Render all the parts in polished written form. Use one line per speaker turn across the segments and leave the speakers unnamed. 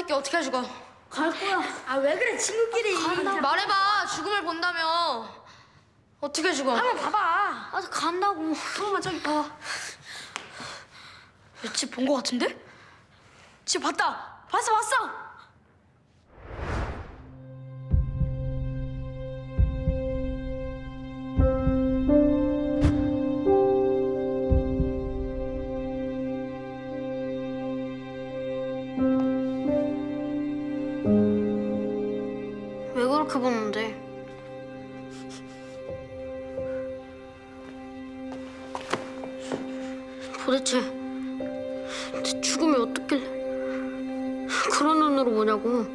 새끼 어떻게 죽어?
갈 거야. 아 왜 그래 친구끼리.
말해봐. 죽음을 본다며. 어떻게 죽어?
한번 봐봐. 아 간다고. 잠깐만 저기 봐. 집 본 거 같은데? 집 봤다. 봤어.
왜 그렇게 보는데? 도대체 내 죽음이 어떻길래 그런 눈으로 보냐고.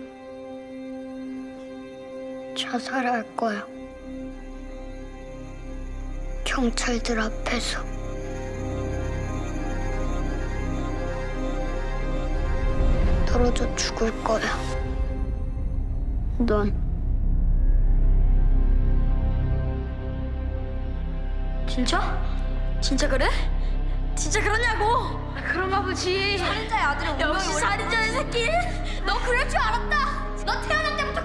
자살할 거야. 경찰들 앞에서. 떨어져 죽을 거야. 넌
진짜? 진짜 그래? 진짜 그러냐고? 그런가 보지. 살인자의 아들이 운명이 역시 살인자의 새끼. 너 그럴 줄 알았다. 너 태어날 때부터